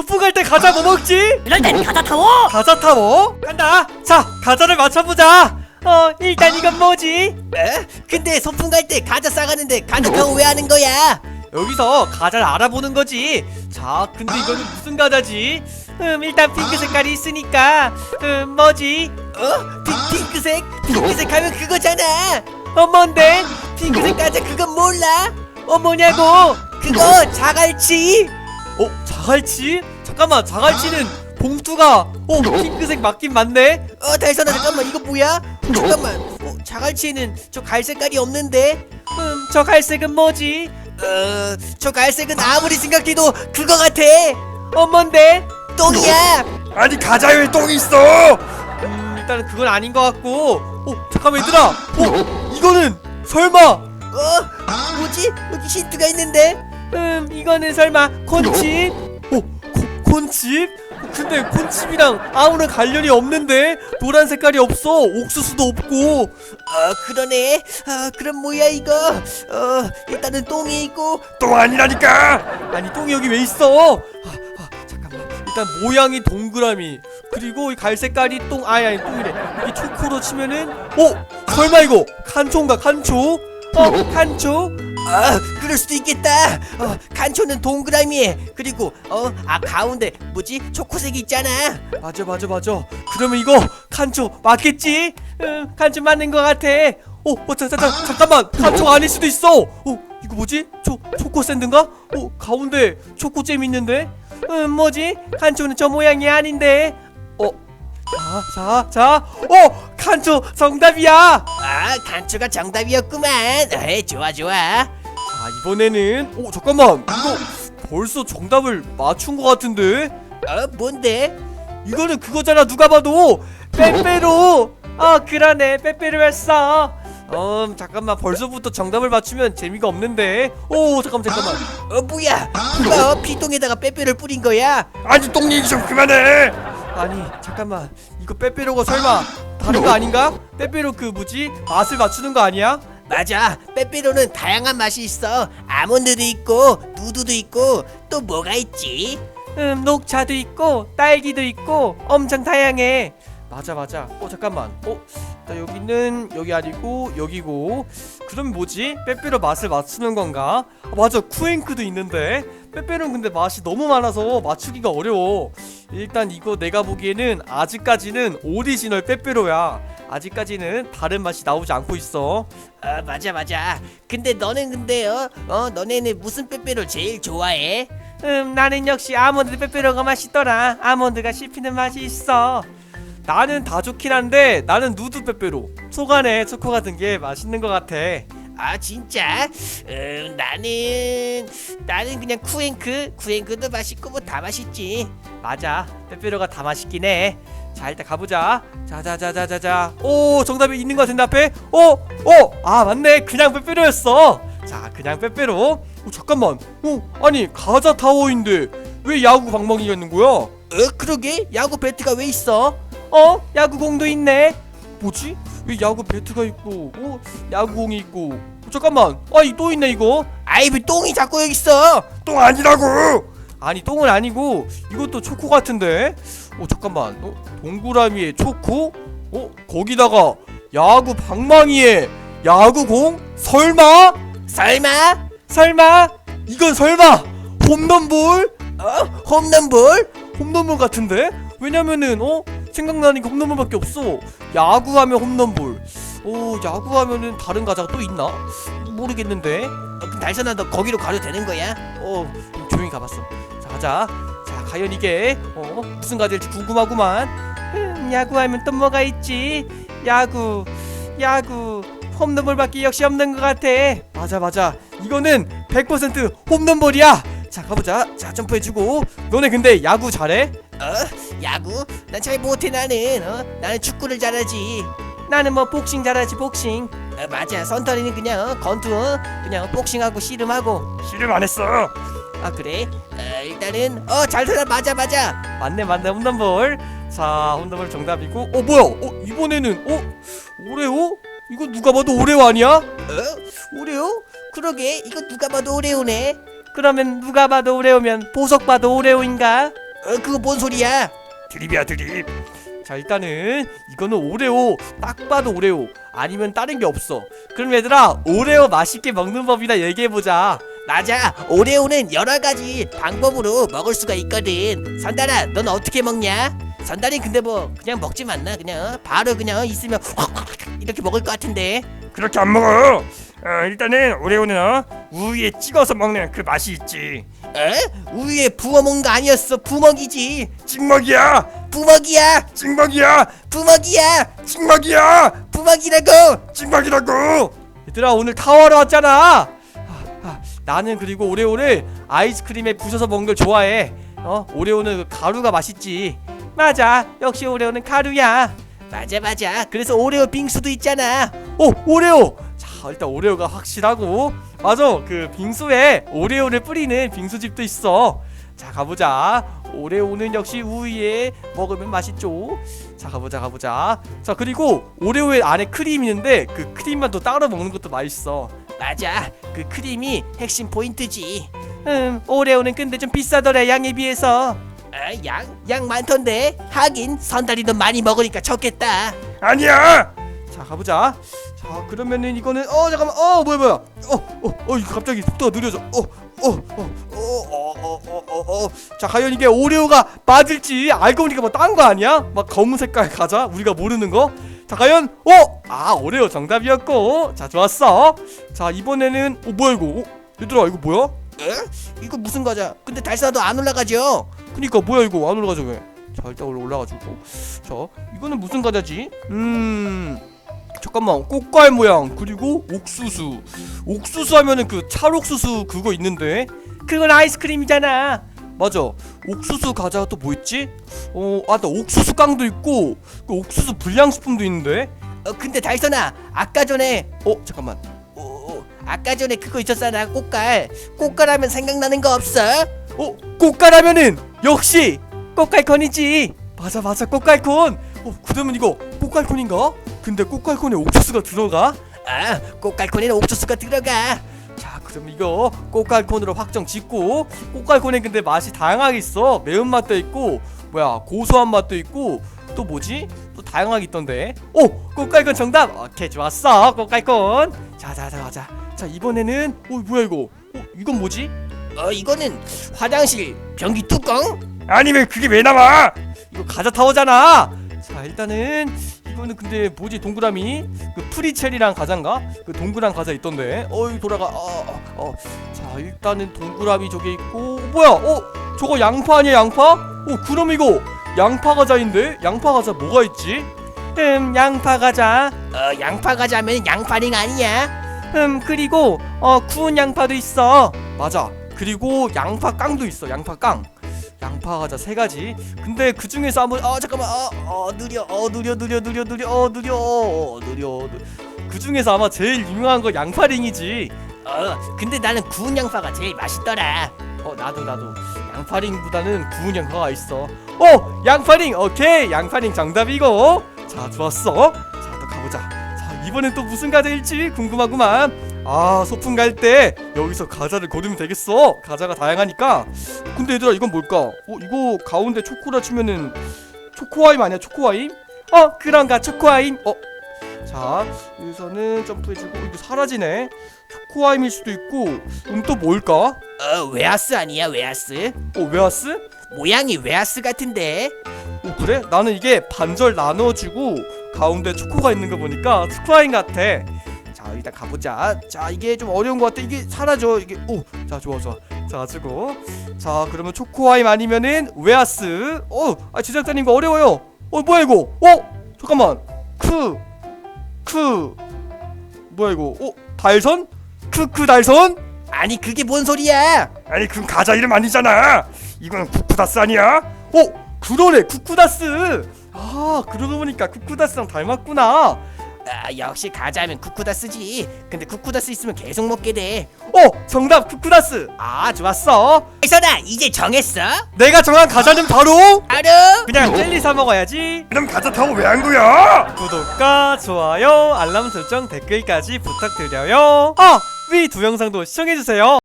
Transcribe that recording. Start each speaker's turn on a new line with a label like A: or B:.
A: 소풍 갈 때 과자 뭐 먹지?
B: 이럴 땐 과자 타워.
A: 과자 타워? 간다. 자, 과자를 맞춰보자. 일단 이건 뭐지?
C: 근데 소풍 갈 때 과자 싸가는데 과자 타워 왜 하는 거야?
A: 여기서 과자를 알아보는 거지. 자, 근데 이거는 무슨 과자지? 일단 핑크 색깔이 있으니까 뭐지?
C: 핑크색? 핑크색 하면 그거잖아.
A: 뭔데?
C: 핑크색 과자 그건 몰라?
A: 뭐냐고?
C: 그거 자갈치.
A: 자갈치? 잠깐만, 자갈치는 봉투가 핑크색 맞긴 맞네?
C: 달선아 잠깐만 이거 뭐야? 잠깐만 자갈치에는 저 갈색깔이 없는데?
A: 저 갈색은 뭐지?
C: 저 갈색은 아무리 생각해도 그거 같아.
A: 뭔데?
C: 똥이야.
D: 아니 과자에 똥이 있어.
A: 일단은 그건 아닌 것 같고. 잠깐만 얘들아. 이거는 설마?
C: 뭐지? 여기 힌트가 있는데?
A: 이거는 설마 콘칩? 콘칩? 근데 콘칩이랑 아무런 관련이 없는데? 노란 색깔이 없어. 옥수수도 없고.
C: 그러네. 그럼 뭐야 이거? 일단은 똥이 있고.
D: 똥 아니라니까.
A: 아니 똥이 여기 왜 있어? 잠깐만. 일단 모양이 동그라미. 그리고 이 갈색깔이 아니 똥이래. 이게 초코로 치면은 설마 이거 칸초인가? 칸초? 칸초?
C: 그럴 수도 있겠다. 간초는 동그라미에 그리고 가운데 뭐지? 초코색이 있잖아.
A: 맞아. 그러면 이거 칸초 맞겠지? 칸초 맞는 것 같아. 잠깐만, 칸초 아닐 수도 있어. 이거 뭐지? 초코 샌드인가? 가운데 초코잼 있는데? 뭐지? 칸초는 저 모양이 아닌데. 자, 칸초 정답이야.
C: 간초가 정답이었구만. 좋아.
A: 자, 이번에는 잠깐만, 이거 벌써 정답을 맞춘 것 같은데?
C: 뭔데?
A: 이거는 그거잖아. 누가 봐도 빼빼로. 그러네, 빼빼로였어. 잠깐만, 벌써부터 정답을 맞추면 재미가 없는데. 잠깐만.
C: 뭐야? 누가 피똥에다가 빼빼를 뿌린 거야?
D: 아니 똥 얘기 좀 그만해.
A: 아니 잠깐만, 이거 빼빼로가 설마 다른 거 아닌가? 빼빼로 그 뭐지? 맛을 맞추는 거 아니야?
C: 맞아. 빼빼로는 다양한 맛이 있어. 아몬드도 있고 누드도 있고 또 뭐가 있지?
A: 녹차도 있고 딸기도 있고 엄청 다양해. 맞아. 잠깐만. 나 여기는 여기 아니고 여기고. 그럼 뭐지? 빼빼로 맛을 맞추는 건가? 맞아, 쿠앤크도 있는데. 빼빼로는 근데 맛이 너무 많아서 맞추기가 어려워. 일단 이거 내가 보기에는 아직까지는 오리지널 빼빼로야. 아직까지는 다른 맛이 나오지 않고 있어.
C: 맞아. 근데 너는 너네는 무슨 빼빼로 제일 좋아해?
A: 나는 역시 아몬드 빼빼로가 맛있더라. 아몬드가 씹히는 맛이 있어. 나는 다 좋긴 한데 나는 누드 빼빼로, 속 안에 초코 같은 게 맛있는 것 같아.
C: 진짜? 나는 그냥 쿠앤크도 맛있고 뭐 다 맛있지.
A: 맞아, 빼빼로가 다 맛있긴 해. 자, 일단 가보자. 자자자자자자. 정답이 있는 것 같은데 앞에. 맞네, 그냥 빼빼로였어. 자, 그냥 빼빼로. 잠깐만. 아니 과자 타워인데 왜 야구 방망이가 있는 거야?
C: 그러게 야구 배트가 왜 있어?
A: 야구공도 있네. 뭐지? 왜 야구 배트가 있고 야구공이 있고. 잠깐만. 또 있네 이거.
C: 왜 똥이 자꾸 여기 있어?
D: 똥 아니라고.
A: 아니 똥은 아니고 이것도 초코 같은데. 잠깐만. 동그라미에 초코? 거기다가 야구 방망이에 야구공? 설마? 이건 설마 홈런볼? 홈런볼 같은데? 왜냐면은 생각나는 게 홈런볼밖에 없어. 야구하면 홈런볼. 야구하면은 다른 과자가 또 있나? 모르겠는데.
C: 그럼 달선아 너 거기로 가도 되는 거야?
A: 조용히 가봤어. 자, 가자. 자, 과연 이게 무슨 과자일지 궁금하구만. 야구하면 또 뭐가 있지? 야구 홈런볼밖에 역시 없는 것 같아. 맞아. 이거는 100% 홈런볼이야. 자, 가보자. 자, 점프해주고. 너네 근데 야구 잘해?
C: 야구? 난 잘 못해. 나는 축구를 잘하지.
A: 나는 뭐 복싱 잘하지, 복싱.
C: 맞아. 선터리는 그냥 권투 그냥 복싱하고 씨름하고.
D: 씨름 안 했어.
C: 그래? 일단은 잘살아. 맞아.
A: 맞네, 홈런볼. 자, 홈런볼 정답이고. 뭐야? 이번에는 오레오? 이거 누가 봐도 오레오 아니야?
C: 오레오? 그러게 이거 누가 봐도 오레오네.
A: 그러면 누가 봐도 오레오면 보석 봐도 오레오인가?
C: 그거 뭔 소리야?
D: 드립이야 드립.
A: 자 일단은 이거는 오레오, 딱 봐도 오레오 아니면 다른 게 없어. 그럼 얘들아 오레오 맛있게 먹는 법이나 얘기해보자.
C: 맞아. 오레오는 여러 가지 방법으로 먹을 수가 있거든. 선달아, 넌 어떻게 먹냐? 선달이 근데 뭐 그냥 먹지 않나? 그냥 바로 그냥 있으면 이렇게 먹을 것 같은데.
D: 그렇게 안 먹어. 일단은 오레오는 우유에 찍어서 먹는 그 맛이 있지.
C: 에? 우유에 부어 먹는 거 아니었어. 부먹이지.
D: 찍먹이야.
C: 부먹이야.
D: 찍먹이야.
C: 부먹이야.
D: 찍먹이야.
C: 부먹이라고.
D: 찍먹이라고.
A: 얘들아 오늘 타워하러 왔잖아. 나는 그리고 오레오를 아이스크림에 부셔서 먹는 걸 좋아해. 오레오는 그 가루가 맛있지. 맞아, 역시 오레오는 가루야.
C: 맞아. 그래서 오레오 빙수도 있잖아.
A: 오레오. 자 일단 오레오가 확실하고, 맞아, 그 빙수에 오레오를 뿌리는 빙수집도 있어. 자 가보자. 오레오는 역시 우유에 먹으면 맛있죠. 자 가보자. 자 그리고 오레오의 안에 크림이 있는데 그 크림만 또 따로 먹는 것도 맛있어.
C: 맞아. 그 크림이 핵심 포인트지.
A: 오레오는 근데 좀 비싸더래, 양에 비해서.
C: 양 많던데. 하긴 선달이 너 많이 먹으니까 적겠다.
D: 아니야.
A: 자 가보자. 자 그러면은 이거는 잠깐만. 뭐야. 이거 갑자기 속도가 느려져. 자 과연 이게 오레오가 맞을지 알고 보니까 뭐 딴 거 아니야? 막 검은 색깔 과자 우리가 모르는 거. 자 과연 오레오 정답이었고. 자 좋았어. 자 이번에는 뭐야 이거? 얘들아 이거 뭐야?
C: 이거 무슨 과자? 근데 달사도 안 올라가죠?
A: 그니까 뭐야 이거 안 올라가죠 왜? 자 일단 올라가지고. 자 이거는 무슨 과자지? 잠깐만, 꽃갈 모양 그리고 옥수수 하면은 그 찰옥수수 그거 있는데 그건 아이스크림이잖아. 맞아, 옥수수 과자가 또 뭐 있지? 나 옥수수 깡도 있고 그 옥수수 불량식품도 있는데.
C: 근데 달선아, 아까 전에
A: 잠깐만.
C: 아까 전에 그거 있었잖아. 꽃갈 하면 생각나는 거 없어?
A: 꽃갈하면은 역시 꽃갈콘이지. 맞아 꽃갈콘. 그러면 이거 꽃갈콘인가? 근데 꽃갈콘에 옥수수가 들어가?
C: 꽃갈콘에는 옥수수가 들어가.
A: 자 그럼 이거 꽃갈콘으로 확정 짓고. 꽃갈콘에 근데 맛이 다양하게 있어. 매운맛도 있고 고소한 맛도 있고 또 뭐지? 또 다양하게 있던데. 꽃갈콘 정답. 오케이 좋았어 꽃갈콘. 자 이번에는 뭐야 이거? 이건 뭐지?
C: 이거는 화장실 변기 뚜껑?
D: 아니면 그게 왜 나와?
A: 이거 과자 타워잖아. 자 일단은 이거는 근데 뭐지? 동그라미 그 프리첼이랑 과자인가? 그 동그란 과자 있던데. 이거 돌아가. 자 일단은 동그라미 저게 있고. 뭐야? 저거 양파 아니야 양파? 그럼 이거 양파 과자인데? 양파 과자 뭐가 있지? 양파 과자.
C: 양파 과자면 양파링 아니야?
A: 그리고 구운 양파도 있어. 맞아. 그리고 양파 깡도 있어. 양파 깡. 양파 과자 3가지. 근데 그 중에서 한번 잠깐만. 느려. 그 중에서 아마 제일 유명한 거 양파링이지.
C: 근데 나는 구운 양파가 제일 맛있더라.
A: 나도 양파링보다는 구운 양파가 있어. 양파링. 오케이 양파링 정답이고. 자 좋았어. 자 또 가보자. 자 이번엔 또 무슨 과자일지 궁금하구만. 소풍 갈 때 여기서 과자를 고르면 되겠어. 과자가 다양하니까. 근데 얘들아 이건 뭘까? 이거 가운데 초코라 치면은 초코아임 아니야? 초코아임? 그런가 초코아임. 자 여기서는 점프해주고. 이거 사라지네. 초코아임일 수도 있고. 또 뭘까?
C: 웨하스 아니야? 웨하스?
A: 웨하스?
C: 모양이 웨하스 같은데.
A: 그래? 나는 이게 반절 나눠주고 가운데 초코가 있는 거 보니까 초코아임 같아. 자 일단 가보자. 자 이게 좀 어려운 것 같아. 이게 사라져 이게. 자 좋아. 자 주고. 자 그러면 초코아임 아니면은 웨하스. 제작자님 이거 어려워요. 뭐야 이거? 잠깐만. 뭐야 이거? 달선? 크크 달선?
C: 아니 그게 뭔 소리야?
D: 아니 그건 과자 이름 아니잖아. 이건 쿠쿠다스 아니야?
A: 그러네 쿠쿠다스. 그러고 보니까 쿠쿠다스랑 닮았구나.
C: 역시 과자면 쿠쿠다스지. 근데 쿠쿠다스 있으면 계속 먹게 돼.
A: 정답 쿠쿠다스. 좋았어.
C: 달선아, 이제 정했어?
A: 내가 정한 과자는 바로
C: 바로
A: 그냥 젤리 사 먹어야지.
D: 그럼 과자 타고 왜 한 거야?
A: 구독과 좋아요 알람 설정 댓글까지 부탁드려요. 위 두 영상도 시청해주세요.